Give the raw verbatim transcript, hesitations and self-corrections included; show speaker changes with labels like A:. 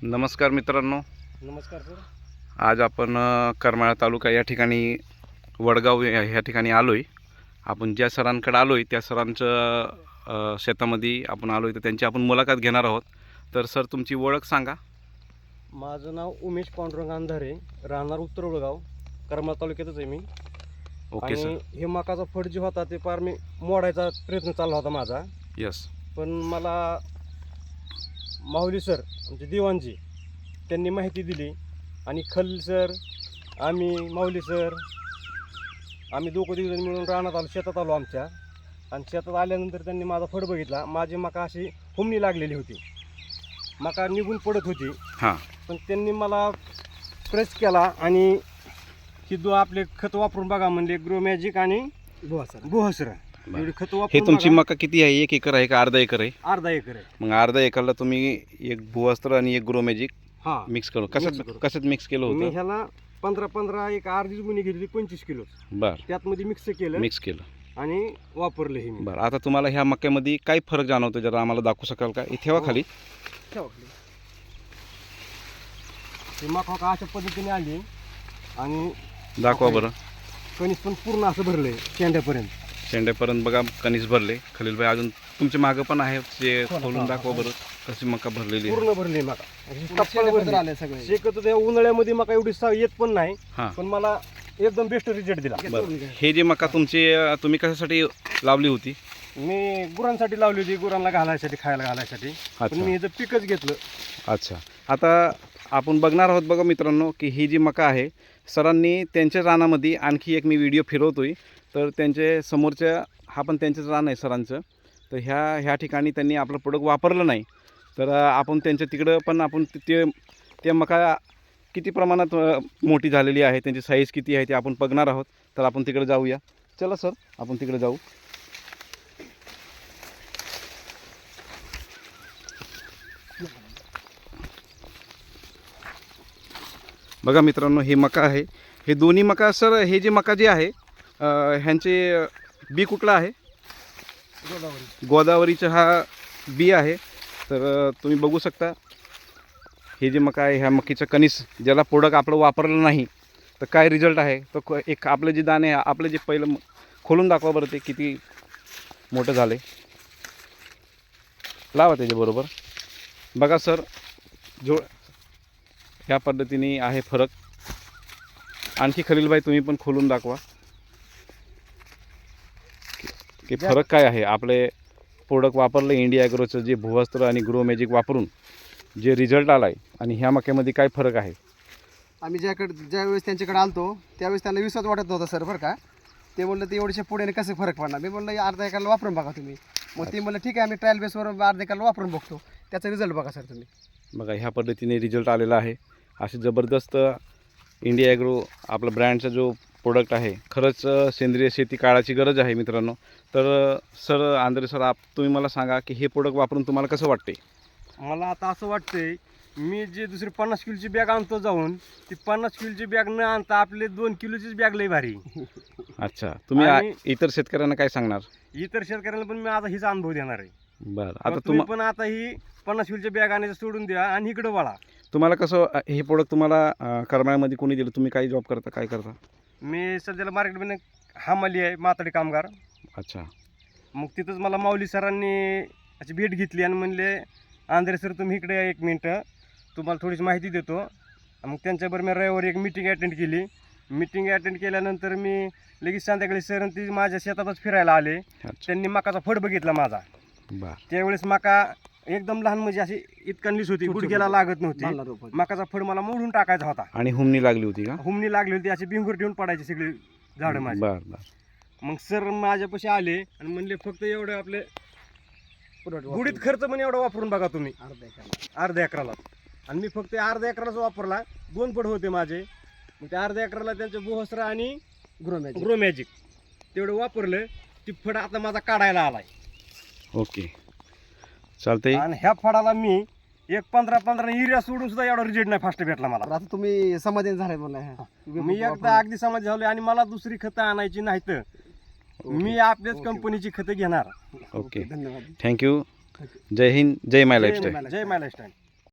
A: नमस्कार मित्रांनो,
B: नमस्कार सर.
A: आज आपण अ, करमाळा तालुका या ठिकाणी वडगाव या ह्या ठिकाणी आलो आहे. आपण ज्या सरांकडे आलो आहे त्या सरांचं अ, शेतामध्ये आपण आलो आहे, तर त्यांची आपण मुलाखत घेणार आहोत. तर सर, तुमची ओळख सांगा.
B: माझं नाव उमेश पांडुरंग अंधारे, राहणार उत्तर वडगाव, करमाळा तालुक्यातच आहे मी.
A: Okay sir.
B: आणि हे मकाचा फड जे होता ते पार मी मोडायचा प्रयत्न चालला होता माझा.
A: यस.
B: पण मला माहुली सर म्हणजे दिवाणजी त्यांनी माहिती दिली आणि खलील सर, आम्ही, माहुली सर, आम्ही दोघं दिवजण मिळून रानात आलो, शेतात आलो आमच्या. आणि शेतात आल्यानंतर त्यांनी माझा फड बघितला. माझी मका अशी हुमणी लागलेली होती, मका निघून पडत होती.
A: हां.
B: पण त्यांनी मला प्रेस केला आणि ही दो आपले खत वापरून बघा म्हणले, ग्रो मॅजिक आणि गुहासर गुहासर एवढी खत
A: हे
B: वापरून
A: तुमची
B: बघा.
A: मका किती आहे? एक एकर आहे का अर्धा एकर आहे?
B: अर्धा एकर आहे.
A: मग अर्धा एकरला तुम्ही एक भुवस्त्र आणि एक ग्रोमॅजिक
B: हा
A: मिक्स करून
B: Mix
A: कशात
B: करून.
A: कशात मिक्स केलं
B: मी
A: होतं?
B: ह्याला पंधरा पंधरा एक अर्धीच गुणी घेतली, पंचवीस किलो
A: बरं,
B: त्यात मध्ये मिक्स केलं
A: मिक्स केलं
B: आणि वापरलं हे मी.
A: बरं. आता तुम्हाला ह्या मक्यामध्ये काय फरक जाणवतो, जरा आम्हाला दाखवू शकाल का? इथे ठेवा
B: हो.
A: खाली.
B: ठेवा खाली. ही मका का अशा पद्धतीने आली आणि
A: दाखवा बरं.
B: कणीस पण पूर्ण असं भरलंय शेंड्यापर्यंत.
A: शेंड्यापर्यंत बघा कणीस भरले. खलील भाई अजून तुमच्या मागं पण आहे, ते
B: हो ना,
A: खोलून
B: हा,
A: दाखवा
B: हा.
A: बरं कशी मका भरलेली आहे.
B: पूर्ण भरली मका. टप्पा भरली.
C: सगळे
B: शेकत त्या उन्हाळ्यामध्ये मका एवढी सा- येत पण नाही,
A: हां.
B: पण मला एकदम बेस्ट रिझल्ट दिला.
A: बरं. हे जे मका तुमची अं, तुम्ही कशासाठी लावली होती?
B: मी गुरांसाठी लावली होती, गुरांना घालायसाठी, खायला घालायसाठी. पण
A: अच्छा
B: मी ह्याचं पिकच घेतलं.
A: अच्छा. आता आपण बघणार आहोत बघा मित्रांनो, की ही जी मका आहे, सरांनी त्यांच्या रानामध्ये आणखी एक मी व्हिडिओ फिरवतोय, तर त्यांचे समोरच्या हा पण त्यांचंच रान आहे सरांचं. तर ह्या ह्या ठिकाणी त्यांनी आपलं प्रोडक्ट वापरलं नाही. तर अं, आपण त्यांच्या तिकडं पण आपण ते ते मका किती प्रमाणात अं, मोठी झालेली आहे, त्यांची साईज किती आहे ते आपण बघणार आहोत. तर आपण तिकडे जाऊया. चला सर, आपण तिकडे जाऊ. बघा मित्रांनो, ही मका आहे. हे दोन्ही मका सर, हे जे मका जे आहे अं, ह्यांचे बी कुठला आहे?
B: गोदावरी.
A: गोदावरीचा हा बी आहे. तर अं, तुम्ही बघू शकता हे जे मका आहे, ह्या मकीचं कणीस ज्याला प्रोडक्ट आपलं वापरलं नाही तर काय रिझल्ट आहे. तर क- एक आपले जे दाणे आहे, आपलं जे पहिलं म- खोलून दाखवा बरं, ते किती मोठं झालं आहे. लावा त्याच्याबरोबर. बघा सर, जो ह्या पद्धतीने आहे फरक. आणखी खलीलभाई तुम्ही पण खोलून दाखवा की फरक काय आहे. आपले प्रोडक्ट वापरलं इंडिया ॲग्रोचं जे भुवस्त्र आणि ग्रो मॅजिक वापरून जे रिझल्ट आला आहे, आणि ह्या मक्यामध्ये काय फरक आहे.
C: आम्ही ज्याकडे ज्यावेळेस त्यांच्याकडे आलतो त्यावेळेस त्यांना विश्वास वाटत नव्हता सर, बरं का. ते म्हणलं ते एवढ्याशा पुढे कसं फरक पडणार. मी म्हणलं अर्धा एकरला वापरून बघा तुम्ही. मग ते म्हणलं ठीक आहे, आम्ही ट्रायल बेसवर अर्धा एकरला वापरून बघतो, त्याचा रिझल्ट बघा सर तुम्ही.
A: बघा ह्या पद्धतीने रिझल्ट आलेला आहे. असे जबरदस्त इंडिया ॲग्रो आपला ब्रँडचा जो प्रोडक्ट आहे, खरंच अ, सेंद्रिय शेती काळाची गरज आहे मित्रांनो. तर अ, सर आंधळे सर, आप तुम्ही मला सांगा की हे प्रोडक्ट वापरून तुम्हाला कसं वाटते?
B: मला आता असं वाटतंय, मी जे दुसरी पन्नास किलोची बॅग आणतो जाऊन, ती पन्नास किलोची बॅग न आणता आपले दोन किलोचीच बॅग लई भारी.
A: अच्छा. तुम्ही आ-
B: आणि-
A: इतर शेतकऱ्यांना काय सांगणार?
B: इतर शेतकऱ्यांना पण मी आता हीच अनुभव देणार आहे.
A: बरं.
B: आता
A: आता
B: तुम्ही
A: तुम
B: पण आता ही पन्नास किलोची बॅग आणायचं सोडून द्या आणि इकडं वळा.
A: तुम्हाला कसं अ, हे प्रोडक्ट तुम्हाला अ, करमाळ्यामध्ये कोणी दिलं? तुम्ही काही जॉब करता, काय करता?
B: मी सध्याला मार्केटमध्ये हमाली आहे, माताडी कामगार.
A: अच्छा.
B: मग तिथंच मला माऊली सरांनी अशी भेट घेतली आणि म्हणले, आंध्रे सर तुम्ही इकडे या एक मिनटं, तुम्हाला थोडीशी माहिती देतो. मग त्यांच्याबरोबर मी रविवारी एक मिटिंग अटेंड केली. मिटिंग अटेंड केल्यानंतर मी लगेच संध्याकाळी सर ती माझ्या शेतातच फिरायला आले.
A: अच्छा.
B: त्यांनी मकाचा फड बघितला माझा.
A: बरं.
B: त्यावेळेस मका एकदम लहान, म्हणजे अशी इतकणलीच होती, गुडघ्याला लागत नव्हती. मकाचा फड मला मोडून टाकायचा होता.
A: आणि हुमणी लागली होती का?
B: हुमणी लागली होती, अशी भिंगूर ठेवून पडायची सगळी झाडं माझी.
A: बरं बरं.
B: मग सर माझ्यापाशी आले आणि म्हणले फक्त एवढं आपले गुडीत खर्च म्हणे एवढा वापरून बघा तुम्ही
C: अर्धा एकरला.
B: अर्ध्या अकराला. आणि मी फक्त अर्ध्या अकरालाच वापरला. दोन फड होते माझे. मग त्या अर्ध्या अकराला त्यांचे बोहसरा आणि
C: ग्रो मॅजिक.
B: ग्रो मॅजिक तेवढं वापरलं. ती फड आता माझा काढायला आलाय.
A: ओके, चालतंय.
B: आणि ह्या फडाला मी एक पंधरा पंधरा युरिया सोडून सुद्धा एवढा रिजल्ट नाही फास्ट भेटला मला.
C: तर आता तुम्ही समाधान झाले म्हणलं.
B: मी एकदा अगदी समाज झालोय आणि मला दुसरी खतं आणायची नाहीत. मी आपल्याच
C: ओके.
B: कंपनीची खतं घेणार.
A: ओके.
C: धन्यवाद.
A: थँक्यू. जय हिंद, जय माय
B: जय
A: लाईफस्टाईल.
B: जय माय लाईफस्टाईल.